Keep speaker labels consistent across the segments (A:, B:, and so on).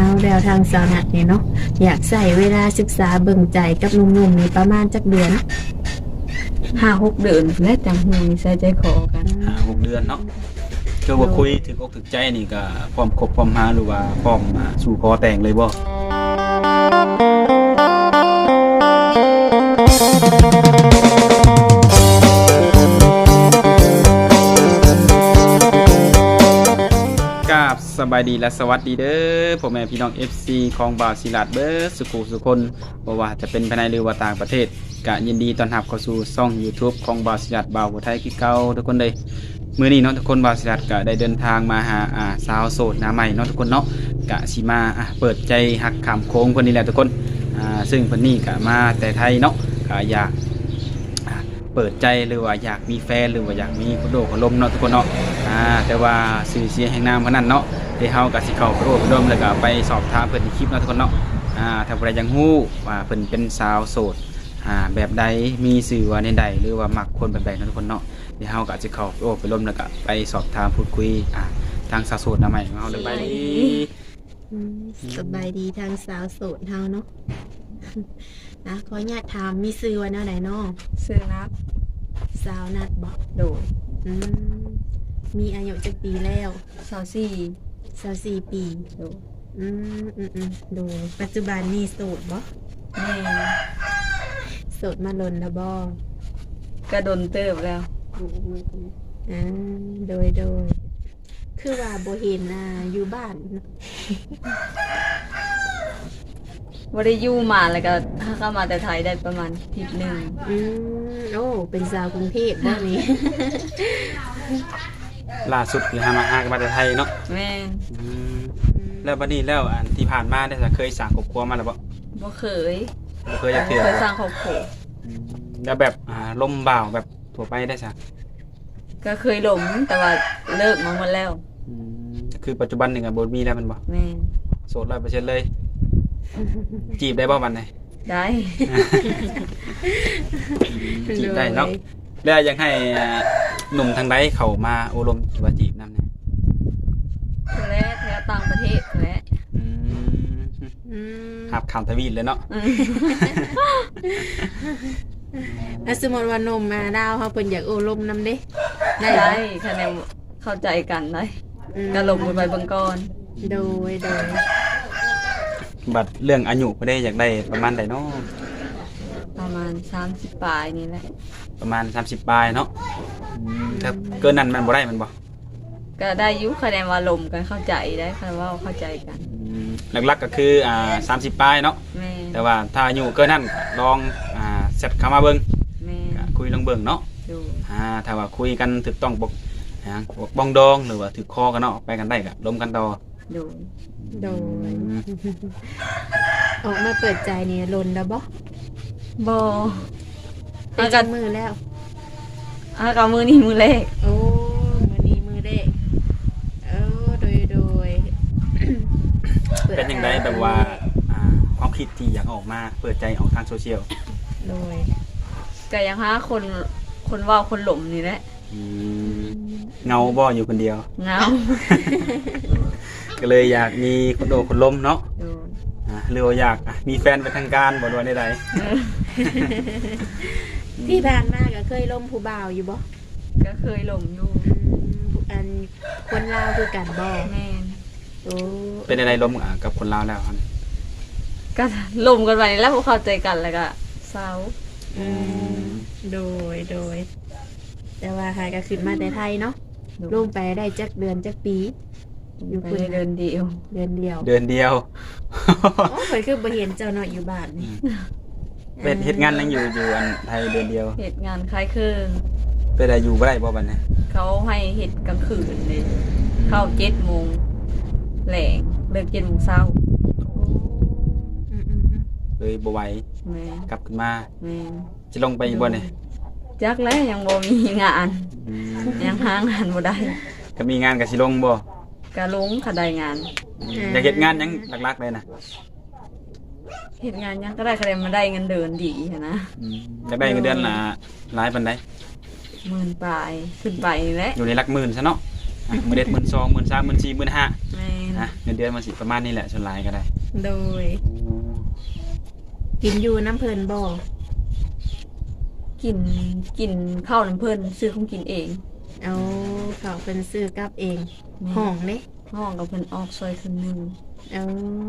A: แล้วทางสาวนัดนี่เนาะอยากใส่เวลาศึกษาเบิ่งใจกับหนุ่มๆนี่ประมาณจักเดือน
B: 5-6 เดือนและจังหูใส่ใจคอกัน
C: 6 เดือนเนาะคือว่าคุยถึงอกถึงใจนี่ก็พร้อมคบพร้อมหาหรือว่าพร้อมสู่ขอแต่งเลยบ่สบายดีและสวัสดีเด้อพ่อแม่พี่น้อง FC ของบ่าวศิลาดเบิร์ดสุขุสุคนบ่ว่าจะเป็นภายในหรือว่าต่างประเทศก็ยินดีต้อนรับเข้าสู่ช่อง YouTube ของบ่าวศิลาดบ่าวผู้ไทยคือเก่าทุกคนเลยมื้อนี้เนาะทุกคนบ่าวศิลาดก็ได้เดินทางมาหาสาวโสดหน้าใหม่เนาะทุกคนเนาะก็สิมาเปิดใจฮักขามโค้งเพิ่นนี่แหละทุกคนซึ่งเพิ่นนี่ก็มาแต่ไทยเนาะก็อยากเปิดใจหรือว่าอยากมีแฟนหรือว่าอยากมีคนโดคนลมเนาะทุกคนเนาะแต่ว่าสื่อเสียงแห่งนามเพิ่นนั่นเนาะเดี๋ยวเฮาก็สิเข้าไปโอ้ไปดมแล้วก็ไปสอบถามเพิ่นในคลิปเนาะทุกคนเนาะถ้าผู้ใดยังฮู้ว่าเพิ่นเป็นสาวโสดแบบใดมีสื่อว่าในใดหรือว่ามักคนแบบใดเนาะทุกคนเนาะเดี๋ยวเฮาก็สิเข้าไปโอ้ไปดมแล้วก็ไปสอบถามพูดคุยทางสาวโสดหน้าใหม่ของเฮาเลยไป
A: สบายดีทางสาวโสดเฮาเนาะขออนุญาตถามมีชื่อว่าแนวใดเนาะ
B: ซื้อนับ
A: สาวนัดบ่
B: โดย
A: มีอายุจักปีแล้ว
B: 24
A: ปี
B: โดย
A: โดยปัจจุบันนี่โสดบ่
B: แม่
A: โสดมาลนแล้วบ่
B: กระดนเติบแล้ว
A: โดยคือว่าบ่เห็นอยู่บ้าน
B: บ่ได้อยู่มาแล้วก็ถ้าเข้ามาแต่ไทยได้ประมาณอาทิตย์หนึง
A: โอ้เป็นสาวกรุงเทพบ่นี่
C: ล่าสุดคือหากันมาแต่ไทยเนาะ
B: แม่
C: แล้วบัดนี้แล้วอันที่ผ่านมาได้เคยสร้างครอบครัวมาแล้วบ่
B: บ่เคย
C: บ่เคยจักเทื่อ
B: เคยสร้างครอบครัว
C: แล้วแบบลมบ่าวแบบทั่วไปได้ซะ
B: ก็เคยหลงแต่ว่าเลิกมาหมดแล้ว
C: คือปัจจุบันนี่ก็บ่มีแล้วแม่นบ่
B: แม่
C: โสด 100% เลยจีบได้บ่บัดนี้
B: ได้
C: จีบได้เนาะแล้วยังให้หนุ่มทางใดเข้ามาโอลมหรือว่าจีบนำเนี่ย
B: และแถวต่างประเทศและ
C: หับข้ามทวีตเลยเนาะ
A: แล้วสมมติว่านมมาดาวเฮาเพิ่นอยากโอลมนำเด้ได้
B: ได้
A: บ่
B: คะแนนเข้าใจกันได้ก็ลงไปเบิ่งก่อน
A: โดย
C: บัดเรื่องอายุบ่ได้อยากได้ประมาณใดเนาะ
B: ประมาณ30ปลายนี่แหละ
C: ประมาณ30ปลายเนาะถ้าเกินนั้นมันบ่ได้มันบ่
B: ก็ได้อยุคะแนนว่าลมกันเข้าใจได้คะแนนว่าเข้าใจกัน
C: หลักๆก็คือ30ปลายเนาะ
B: แม่
C: แต่ว่าถ้าอายุเกินนั้นลองเซตเข้ามาเบิ่ง
B: แม่
C: คุยลองเบิ่งเนาะ
B: ดู
C: ถ้าว่าคุยกันถูกต้องบอกบ้องดองหรือว่าถือคอกันเนาะไปกันได้ก็ล้มกันต่อ
B: ดู
A: โดยออกมาเปิดใจนี่ลนแล้วบ่
B: บอ
A: เป็นจักมือแล้ว
B: อากามือนี่มือเล็ก
A: โอ้มื้อนี้มื้อแรกโดย
C: เป็นยังไงแบบว่าความคิดที่อยากออกมาเปิดใจออกทางโซเชียล
A: โดย
B: ก็ยังหาคนว่าคนหลมนี่แหละ
C: เงาบ่อยู่คนเดียว
B: เงา
C: ก็เลยอยากมีคนโดคนล้มเนาะ
B: ดู
C: หรือว่าอยากมีแฟนเป็นทางการบ่ด้วยใด
A: ที่ผ่านมาก็เคยล่มผู้บ่าวอยู่บ่
B: ก็เคยหลมอยู่
A: อันคนลาวคือกันบ่
B: แม่
A: โอ้
C: ๆเป็นอะไรล้มกับคนลาวแล้วครับ
B: ก็หลมกันไปแล้วพวกเข้าใจกันแล้วก็เศร้า
A: โดยแต่ว่าหายก็ขึ้นมาแต่ไทยเนาะลงไปได้จักเดือนจักปี อยู่
B: ไป
A: คุณ
B: เดินเดียว
A: เดือนเดียว
C: เดือนเดียว
A: โอ้เคยคือบ่เห็นเจ้าเนาะอยู่บ้านนี่
C: เป็นเฮ็ดงานยังอยู่อันไทยเดือนเดียว
B: เหตุงานคล้ายเครื่อง
C: เป็นอะไรอยู่บ่ได้บ่บัดนี้
B: เขาให้เหตุกลางคืนเลยเข้า7 โมงแหลงเลิก7 โมงเช้า
C: เลยบ่ไหว
B: แม่
C: กลับขึ้นมา
B: แม่
C: สิลงไปอีกบ่เนี่ย
B: จักแล้วยังบ่มีงาน ยังหางานบ่ได้
C: ก็มีงานกับสิลงบ่
B: ก็ลงค่ะได้งาน
C: อยากเฮ็ดงานหยังหลักๆเลยนะ
B: เฮ็ดงานยังก็ได้คะแนนมาได้เงินเดือนดีหั้นนะ
C: อยากได้เงินเดือนละหลายปานใด
B: 10,000ปลายขึ้นไปนี่แหละ
C: อยู่ในหลักหมื่นซะเนาะมื้อเด็ด12,000 13,000 14,000 15,000
B: แม่น
C: นะเงินเดือนมันสิประมาณนี้แหละส่วนหลายก็ได้
A: โดยกินอยู่น้ำเพิ่นบ่
B: กินกินข้าวน้ำเพิ่นซื้อของกินเอง
A: เอาเขาเพิ่นซื้อกลับเอง
B: แม่
A: ห้องเด้
B: ห้องกับเพิ่นออกซอยครึ่งหนึง
A: เอา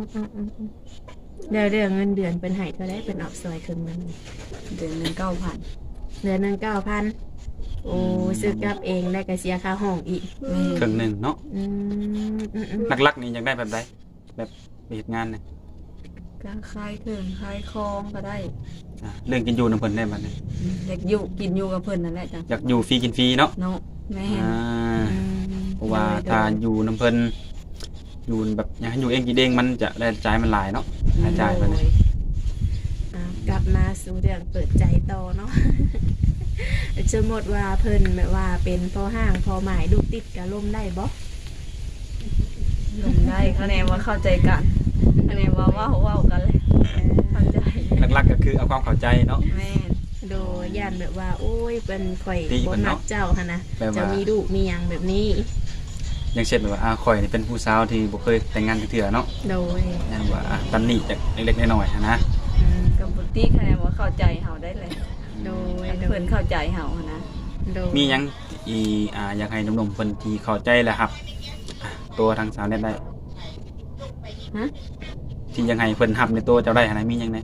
A: แล้วเรื่องเงินเดือนเพิ่นให้เท่าไดเพิ่นออกซอยครึ่งหนึง
B: เดือนหนึง9,000
A: เดือนหนึง9,000โอ้ซื้อกลับเองแล้วก็เสียค่าห้องอีก
B: แม่
C: ครึ่งหนึงเนาะ
A: อืม
C: หลักๆนี่อยากได้แบบใดแบบไปเฮ็ดงานเนี่ย
B: ก็คลายเครื่องคลายคลองก็ได้
C: เรื่องกินอยู่นำเพิ่นได้บัดนี้
B: อยากอยู่กินอยู่กับเพิ่นนั่นแหละจ้ะ
C: อยากอยู่ฟรีกินฟรีเนาะ
B: เนาะแม่
C: อ่า
A: อืม
C: เพราะว่าถ้าอยู่นำเพิ่นอยู่แบบอยากให้อยู่เองกินเองมันจะรายจ่ายมันหลายเนาะรายจ่ายมัน
A: โดยกลับมาสู่เรื่องเปิดใจต่อเนาะ สมมติว่าเพิ่นแบบว่าเป็นพ่อห้างพ่อหมายลูกติดกะล่มได้บ่
B: ลงได้คะแนนว่าเข้าใจกันคะแนนว่าเว้ากันเลยเข้าใจ
C: หลักๆก็คือเอาความเข้าใจเนาะ
B: แม่
A: โดยย่านแบบว่า โอ้ยเป็นข่อย
C: ตี
A: บ่
C: เพิ่น
A: มั
C: เนาะ
A: กเจ้าหั่นนะ
C: แบบว่า
A: จะมีลูกมีหยังแบบนี้
C: อย่างเช่นแบบว่าข่อยนี่เป็นผู้สาวที่บ่เคยแต่งงานเทื่อเนาะ
A: โดย
C: นั่นว่าตำหนิจากเล็กๆน้อยๆนะ
A: อืม
B: กับบุตรีคะแนนว่าเข้าใจเฮาได้เลย
A: โดย
B: อัน
A: โด
B: เพิ่
A: ย
B: นเข้าใจเฮานะ
A: โดย
C: มีหยังอยากให้หนุ่มๆเพิ่นที่เข้าใจแหละครับตัวทางสาวเน็ตได้
B: ฮะ
C: ที่ยังให้เพิ่นรับในตัวเจ้าได้หั่นนะมีหยังแหน่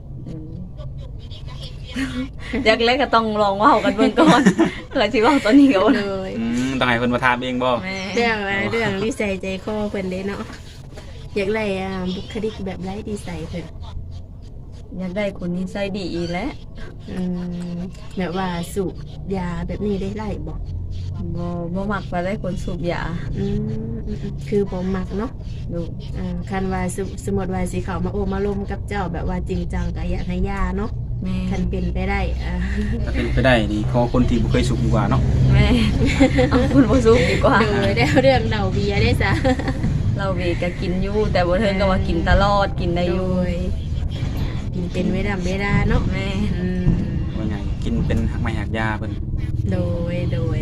B: อยากเล็กก็ต้องลองเว้ากันเบิ่งก่อนเพื่อสิเว้าตอนนี้ก็บ่
A: โด
B: ได้
A: ย
C: ต้องให้เพิ่นมาถามเองบ่
B: แม่
A: เรื่องว่าเรื่องนิสัยใจคอเพิ่นเด้เนาะอยากไล่บุคลิกแบบไร้ดีใส่เพิ่น
B: อยากได้คนนิสัยดีอีแหละ
A: อืมแบบว่าสูบยาแบบนี้ได้ไล่บ่
B: บ่มักว่าได้คนสูบยา
A: คือผมมักเนาะ
B: ดู
A: คันว่าสมมติว่าสิเขามาโอมาลมกับเจ้าแบบว่าจริงจังก็อยากให้ยาเนาะ
B: แม่
A: คันเป็นไปได้
C: ถ้าเป็นไปได้นี่ขอคนที่บ่เคยสูบดีกว่าเนาะ
B: แม่เอาคุณบ่สูบดีกว่า
A: โดยได้เรื่องเดาเบียร์ได้ซะ
B: เราเวก็กินอยู่แต่บ่เทิงก็ว่ากินตลอดกินได้อ
A: โด
B: ยู่
A: ยกินเป็นเวลาเนาะ
B: แม่
A: อืม
C: ว่าไงกินเป็นหักไม้หักยาเพิ่น
A: โดย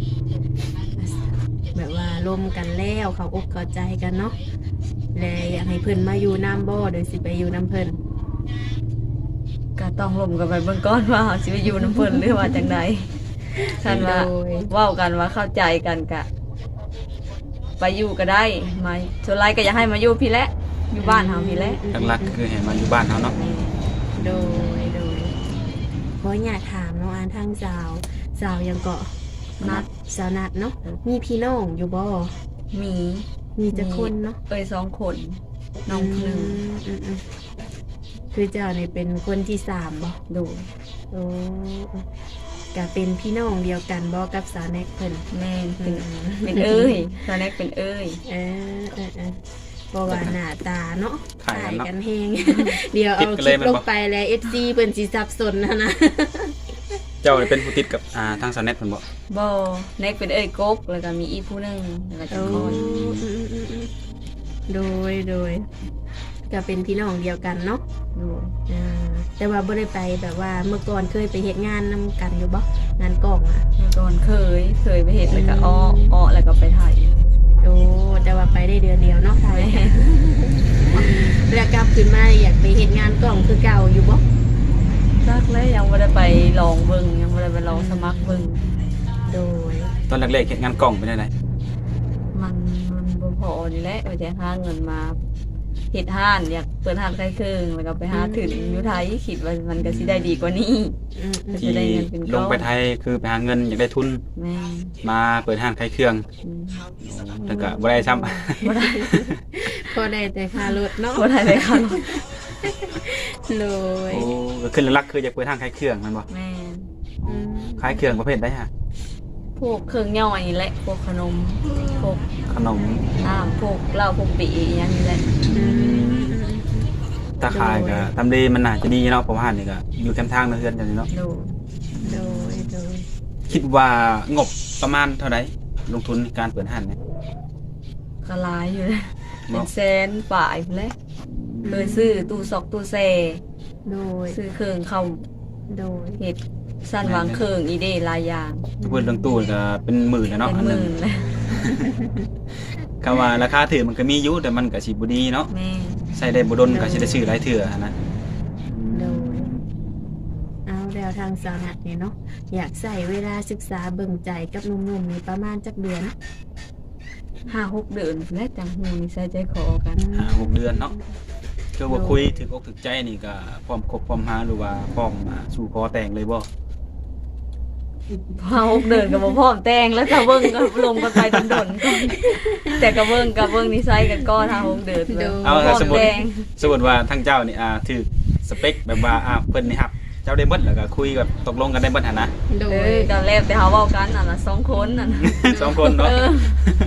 A: แบบว่าร่วมกันแล้วเขาอกเข้าใจกันเนาะเลยอยากให้เพิ่นมาอยู่น้ำบ่โดยสิไปอยู่น้ำเพิ่น
B: ก็ต้องลมกันไปเบื้องก่อนว่าเราสิไปอยู่น้ำเพิ่นหรือว่าจังใดท่านว่า
A: โดย
B: เว้ากันว่าเข้าใจกันกะ ไปอยู่ก็ได้มาส่วนไรก็อยากให้มาอยู่พี่แหละอยู่บ้านเฮาพี่แหละ
C: หลักๆคือให้มาอยู่บ้านเฮาเนาะ
A: โดยเพราะอยากถามน้องอันทางสาวยังเกาะ
B: นัด
A: สาวนัดเนาะมีพี่น้องอยู่บ่
B: มี
A: มีจะคนเนาะ
B: 2 คนน้องหนึ่ง
A: อืมคือเจ้าเนี่ยเป็นคนที่3บ่
B: ดู
A: โอ้ก็เป็นพี่น้องเดียวกันบ่กับสาวแน็กเพิ่น
B: แม่น
A: อื
B: เป็น
A: ม
B: เอ้ยตอนแรกเป็นเอ้ย
A: เออเพราะว่าหน้าตาเนาะ
C: ขายกันเนาะ
A: กันแฮง เดี๋ยวเอาคลิปลงไปแล้ว FC เพิ่นสิสับสนนะ
C: เจ้านี่เป็นผู้ติดกับทางสาวเน็ตเพิ่นบ่
B: บ่แน็กเป็นเอ้ยกกแล้วก็มีอีกผู้หนึงแล้วก็
A: โอ้
B: จะคน
A: โดยก็เป็นพี่น้องเดียวกันเนาะ
B: ดู
A: แต่ว่าบ่ได้ไปแบบว่าเมื่อก่อนเคยไปเฮ็ดงานนำกันอยู่บ่งานกล้องอ่ะ
B: เมื่อก่อนเคยไปเฮ็ดแล้วก็อ้อแล้วก็ไปถ่าย
A: โอ้แต่ว่าไปได้เดือนเดียวเนาะไทย แล้วกลับขึ้นมาอยากไปเฮ็ดงานกล้องคือเก่าอยู่บ่
B: ซักแล้วยังไม่ได้ไปลองเบิ่งยังไม่ได้ไปลองสมัครเบิ่ง
A: โดย
C: ตอนแรกๆเฮ็ดงานกล่องเป็นจังได๋
B: มันบ่พอนี่แหละว่าจะหาเงินมาเฮ็ดห้านอยากเปิดห้านใกล้เครื่องแล้วก็ไปหาถึงอยู่ไทยคิดว่ามันก็สิได้ดีกว่านี้ จะ
C: ที่
B: ได้เงินเป็นก้อน
C: ลงไปไทยคือไปหาเงินอยากได้ทุน
B: แม่
C: มาเปิดห้างขายเครื่อง
B: อืม
C: แล้วก็บ่ได้ซ้ำ
B: บ่ได้
A: พอได้แต่ค่ารถเนาะ
B: บ่ได้เลยค่ะ
A: โดย
C: โอ้ก็ขึ้นหลักๆคืออยากเปิดห้างขายเครื่องแม่นบ่
B: แม่
A: อืม
C: ขายเครื่องประเภทใดฮะ
B: พวกเครื่องย่อยนี่แหละพวกขนมพวก
C: ขนม
B: น้ำพวกเหล้าพวกปีอหยังนี่แหละ
A: อืม
C: ถ้าขายก็ทำดีมันน่าจะดีเนาะเพราะว่าห้านนี่ก็อยู่แคมป์ทางเฮือนจังซี่เนาะ
B: ดู
A: โดย
C: คิดว่างบประมาณเท่าใดลงทุนในการเปิดห้างเนี่ย
B: ก็หลายอยู่เลย
C: เนาะ
B: เป็นแสนฝ่ายพุ่นแหละเคยซื้อตู้ซอกตู้แซ่
A: โดย
B: ซื้อเครื่องเข้า
A: โดย
B: เฮ็ดสั้นวางเครื่องอีเดหลายอย่าง
C: ถ้าเปิดเรื่องตู้ก็เป็นหมื่นแล้ว
B: เป็
C: เนาะ
B: น
C: อัน
B: ห
C: หนึ
B: มื่
C: ง
B: นเลย
C: คคำว่าราคาถือมันก็มีอยู่แต่มันก็สิบ่ดีเนาะ
B: แม่
C: ใช้ได้บ่ดนก็สิได้ซื้อหลายเทื่อหันนะ
A: โดยเอาแล้วทางสาวนัดนี่เนาะอยากใส่เวลาศึกษาเบิ่งใจกับหนุ่มๆนี่ประมาณจักเดือน
B: 5-6 เดือนและจังหูนิสัยใจคอกัน
C: 6 เดือนเนาะคือว่าคุยถึงอกถึงใจนี่ก็พร้อมคบพร้อมหาหรือว่าพร้อมสู่ขอแต่งเลยบ่
B: พอ6 เดือนก็บ่พร้อมแต่งแล้วจะเบิ่งก็ลงกันไปดนๆก่อนแต่ก็เบิ่งนิสัยกันก่อน5-6 เดือนเลย
C: เอา
B: พร้อม
C: สมมุติ
B: แต่ง
C: สมมุติว่าทั้งเจ้านี่ถือสเปคแบบว่าเพิ่นนี่ครับเจ้าได้เบิดแล้วก็คุยแบบตกลงกันได้เบิดหั่นนะ
A: โด
B: เอย อก็แล้วแต่เฮาเว้ากันน่ะนะ2 คนน่ะนะ
C: 2 คนเนาะ
B: เออ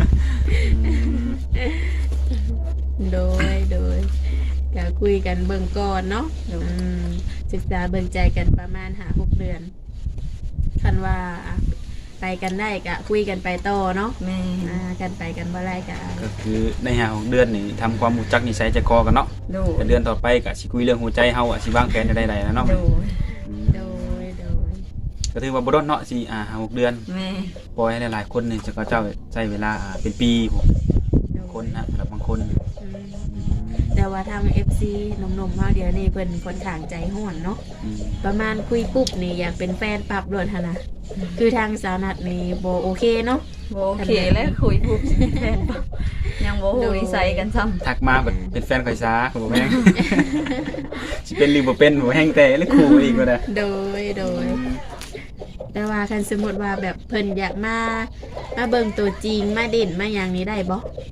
A: โดยก็คุยกันเบิ่งก่อนเนาะศึกษาเบิ่งใจกันประมาณ5-6 เดือนคันว่าไปกันได้ก็คุยกันไปต่อเนาะ
B: แม่
A: กันไปกันบ่ได้ก็
C: ก็คือใน6 เดือนนี่ทำความรู้จักนิสัยใจคอกันเนาะ
B: ดู
C: แต่เดือนต่อไปก็สิคุยเรื่องหัวใจเฮาสิวางแผนจะได้ๆแล้วเนาะ
B: ดู
A: โดย
C: ก็ถือว่าบ่ดนเนาะสิ6 เดือน
B: แม่
C: ปล่อยให้หลายๆคนนี่จะก็เจ้าใช้เวลาเป็นปีผมคนนะสำหรับบางคน
A: แต่ว่าทาง FC หนุ่มๆเฮาเดี๋ยวนี้เพิ่นค่อนข้างใจห้อนเนาะ
C: อืม
A: ประมาณคุยปุ๊บนี่อยากเป็นแฟนปรับโดนหั่นน่ะคือทางสาวนัดนี่บ่โอเคเนาะ
B: บ่โอเคแล้วคุยปุ๊บแฟนปั๊บยังบ่ฮู้นิสัยกันซ้ำ
C: ทักมาแบบเป็นแฟนข่อยซ้าผมบอกแม่ง สิเป็นหรือบ่เป็นบ่แห้งแต่หรือคู่อีกก็ได้
A: โดย แต่ว่าคันสมมติว่าแบบเพิ่นอยากมาเบิ่งตัวจริงมาเด่นมาอย่างนี้ได้บ่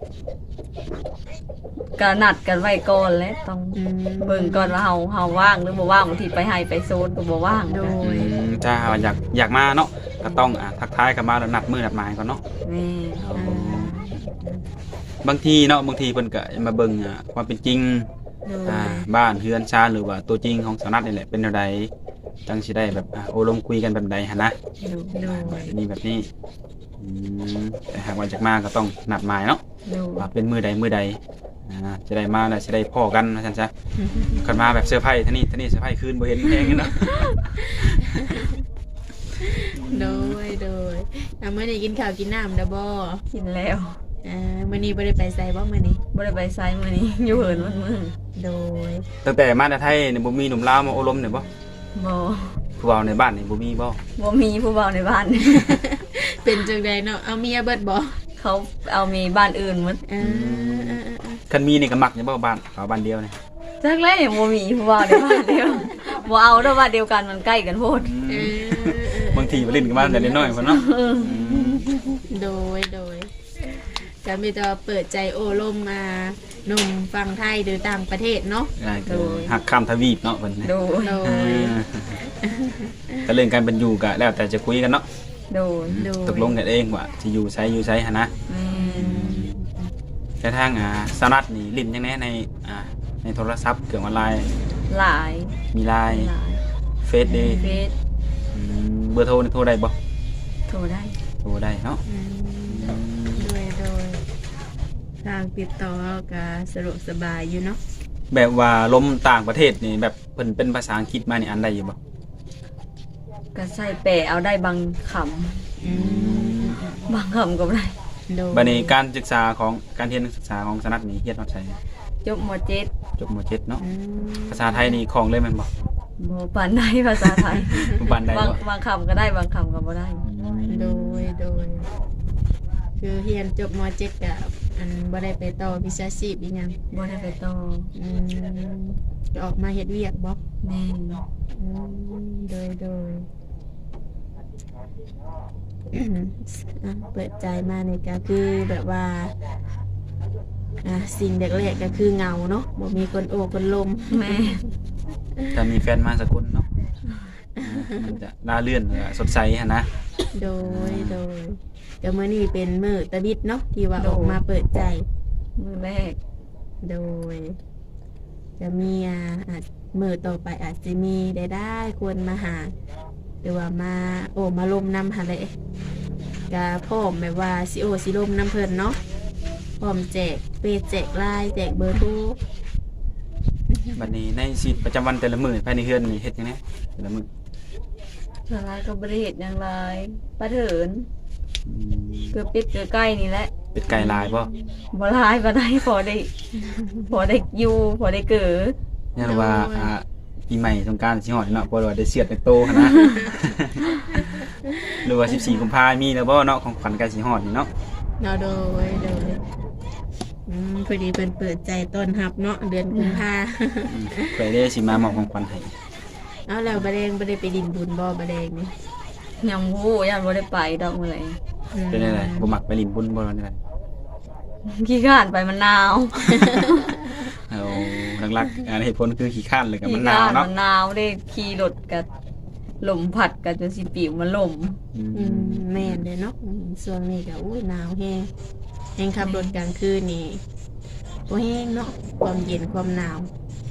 B: ก็นัดกันไว้ก่อนแล้วต้องเบิ่งก่อนว่าเฮาว่างหรือบ่ว่างบางทีไปให้ไปโซนก็บ่ว่าง
A: โด
B: นะ
A: ย
C: ถ้าอยากมาเนาะก็ต้องทักทายกันมาแล้วนัดมือนัดหมายก่อนเนาะ
B: แม่
C: บางทีเนาะบางทีเพิ่นก็มาเบิ่งความเป็นจริง
A: โดย
C: บ้านเฮือนชาติหรือว่าตัวจริงของสาวนัดนี่แหละเป็นแนวใดจังสิได้แบบโอ้ลมคุยกันแบบใดหั่นนะ
A: โดย
C: แบบนี้แต่หากว่าจากมาก็ต้องนัดหมายเนาะ
B: ดู
C: ว่าเป็นมือใดจะได้มาแล้วจะได้พ่อกันนะฉันจ้ะกันมาแบบเสื้อร์ไผ่ท่านี่เสื้อร์ไผ่คืนบ่เห็นแพงเนาะ
A: โดยมื้อนี้กินข้าวกินน้ำเด้อบ่
B: กินแล้ว
A: มื้อนี้บ่ได้ไปไสบ่มื้อนี้
B: บ่ได้ไปไสมื้อนี้อยู่เหินวันมื้อ
A: โดย
C: ตั้งแต่มาแต่ไทยเนี่ยบ่มีหนุ่มลาวมาโอลมเนี่ยบ่
B: บ่
C: ผู้เฒ่าในบ้านนี่บ่มีบ่
B: บ่มีผู้เฒ่าในบ้าน
A: เป็นจังไดเนาะเอาเมียเบิดบ่
B: เขาเอามีบ้านอื่นหมด
C: คันมีนี่ก็มักอยู่บ่บ้านเขาบ้านเดียวนี่
B: จักแล้วยังบ่มีผู้เฒ่าในบ้านเดียวบ่เอาเด้อบ้านเดียวกันมันใกล้กันโพด
C: บางทีไปเล่นกันบ้านแต่น้อยๆพุ่นเนาะ
A: โดยก็มีแต่เปิดใจโอ้ลมมาหนุ่มฟังไทยหรือต่างประเทศเนาะ
C: คือหักข้ามทวีปเนาะเพิ่น
B: ดู
A: โดย
C: ก็เรื่องการเป็นอยู่ก็แล้วแต่จะคุยกันเนาะ
B: ดู
C: ตกลงกันเองว่าสิอยู่ไสหั่นนะ กระทั่งสนัดนี่ลิ้นจังแน่ในโทรศัพท์เครื่องออนไลน์
B: หลาย
C: มีไลน์เฟซเดย์
B: เฟซ
C: เบอร์โทรนี่โทรได้บ่
B: โทรได้
C: โทรได้เนาะ
A: โดยทางติดต่อก็สะดวกสบายอยู่เนาะ
C: แบบว่าลมต่างประเทศนี่แบบเพิ่นเป็นภาษาอังกฤษมานี่อันได้อยู่บ่
B: ก็ใส่แปะเอาได้บางคำบางคำก็ได้
A: โดย
C: บัดนี้การศึกษาของการเรียนศึกษาของสนัดนี่เฮ็ดฮอดไส
B: จบม .7
C: จบม .7 เนาะภาษาไทยนี่คล่องเลยแม่นบ่
B: บ่ปานใดภาษาไทย
C: ปานใดบ่
B: บางคำก็ได้บางคำก็บ่ได้
A: โดยคือเรียนจบม .7 กับอันบ่ได้ไปต่อวิชาชีพอีหยัง
B: บ่ได้ไปต่อ
A: ก็ออกมาเฮ็ดเวียกบ่
B: แม่น
A: โดย เปิดใจมาในก็คือแบบว่าสิ่งแรกๆก็คือเงาเนาะบ่มีคนโอบคนลม
B: แม่
C: ถ้ามีแฟนมาสักคนเนาะมันจะน่าเลื่อนสดใสหั่นนะ
A: โดยก็มื้อนี้เป็นมื้อตะบิดเนาะที่ว่าออกมาเปิดใจ
B: มื้อแรก
A: โดยจะมีอาจมื้อต่อไปอาจจะมีได้ควรมาหาหรือว่ามาลมนำหาเลยก็พร้อมแบบว่าสิลมนำเพิ่นเนาะพร้อมแจกเฟซแจกไลน์แจกเบอร์โทร
C: บัดนี้ในชีวิตประจำวันแต่ละมื้อภายในเฮือนนี่เฮ็ดจังได๋แต่ละมื้อ
B: ส่วนหลายก็บ่ได้เฮ็ดหยังหลายปะเถินเกือบปิดเกือบใกล้นี่แหละ
C: เป็ดไก่ลายบ่
B: บ่หลายบ่ได้พอได้อยู่พอได้เกิด
C: เนี่ยว่าปีใหม่สงกรานต์สิฮอดเนาะบ่ว่าได้เสียดได้โตหั้นนะ หรือว่า14กุมภาพันธ์มีแล้วบ่เนาะของขวัญใกล้สิฮอดนี่เนาะ
A: เนาะโดยพอดีเพิ่นเปิดใจต้อนรับเนาะเดือนกุมภา
C: ไปได้สิมามอบของขวัญให้
A: เอาแล้วบ่ได้ไปดินบุญบ่บ่แดงนี่
B: ยังฮู้ยังบ่ได้ไปดอกมื้อไหร่
C: เป็นได้บ่มักไปลิ้นบุญบ่นั่นแหละ
B: ขี้ข้านไปมันหนาว
C: เอาหลักๆเหตุผลคือขี้ข้านเลยกับมันหนาวเนาะ
B: มันหนาวได้ขี่รถกับลมพัดกับจนสิปิวมันลม
A: แม่นเด้เนาะช่วงนี้ก็หนาวแฮงขับรถกลางคืนนี่บ่แฮงเนาะความเย็นความหนาว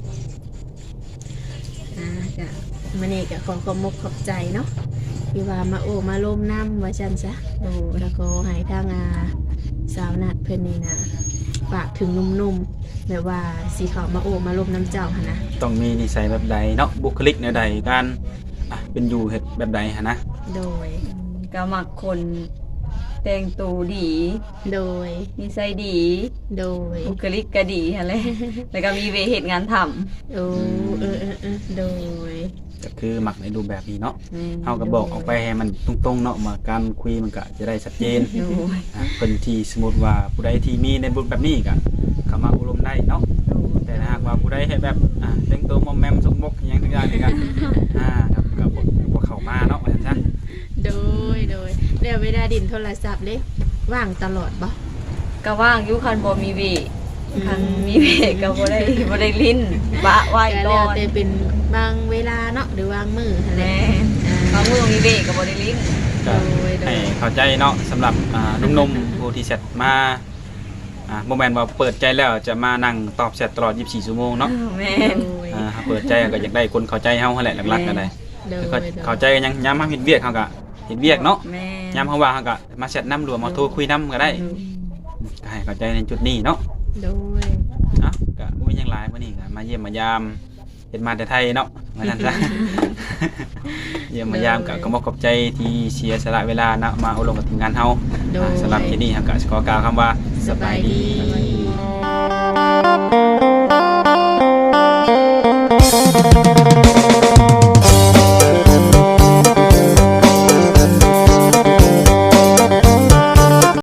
A: ก็มื้อนี้ก็ขอขอบใจเนาะที่ว่ามามาลมน้ำว่าซั่นซะแล้วก็ให้ทางสาวนัดเพิ่นนี่นะฝากถึงหนุ่มๆแบบว่าสิเข้ามามาลมน้ำเจ้าหั่นนะ
C: ต้องมีนิสัยแบบใดเนาะบุคลิกแนวใดการเป็นอยู่เฮ็ดแบบใดหั่นนะ
A: โดย
B: ก็มักคนแต่งตัวดี
A: โดย
B: นิสัยดี
A: โดย
B: บุคลิกก็ดีหั่นแหละ แล้วก็มีเวเหตุงานทำ
A: โอ้โดย
C: ก็คือมักในรูปแบบนี้เนาะ
B: แม่น
C: เฮาก็บอกออกไปให้มันตรงๆเนาะมาการคุยมันก็จะได้ชัดเจน
B: โดย
C: เพิ่นที่สมมุติว่าผู้ใดที่มีในบุญแบบนี้ก็เข้ามาอบรมได้เนาะ
B: โดย
C: แต่ถ้าหากว่าผู้ใดเฮ็ดแบบแต่งตัวมอมแมมสกมกอิหยังทุกอย่างนี่ก็ครับก็บ่เข้ามาเนาะว่าซั่น
A: โดยแล้วเวลาดินโทรศัพท์เลยว่างตลอดบ่
B: ก็ว่างอยู่คันบ่มีเวคันมีเวก็บ่ได้ลิ้นบะไหว้
A: ก็
B: ก่
A: แล้
B: อ
A: วน แต่เป็นบางเวลาเนาะหรือวางมือหั่นแห
B: แม่
A: ละ
B: บางมื้อมีเวก็บ่ได้ลิ้น
C: ก็ให้เข้าใจเนาะสำหรับหนุ่มๆผู้ที่แชทมาบ่แม่นว่าเปิดใจแล้วจะมานั่งตอบแชทตลอด24ชั่วโมงเนาะ
B: แม่น
C: ถ้าเปิดใจก็อยากได้คนเข้าใจเฮาหั่นแหละหลักๆก็ได้
A: โดย
C: คือเข้าใจกันยังยามเฮาเฮ็ดเวียกเฮาก็เฮ็ดเวียกเนาะ
B: แม่
C: ยามเฮาว่างเฮาก็มาแชทนำหรือว่ามาโทรคุยนำก็ได้ก็ให้เข้าใจในจุดนี้เนาะ
A: โดย
C: ก็บ่มีหยังหลายมื้อนี้ก็มาเยี่ยมมายามเฮ็ดมาแต่ไทยเนาะว่าซั่นซะ เยี่ยมมายามก็ขอบใจที่เสียสละเวลานะมาอบรมกับทีมงานเฮา
A: โดย
C: สำหรับที่นี่ครับก็ขอกล่าวคำว่าสบายดี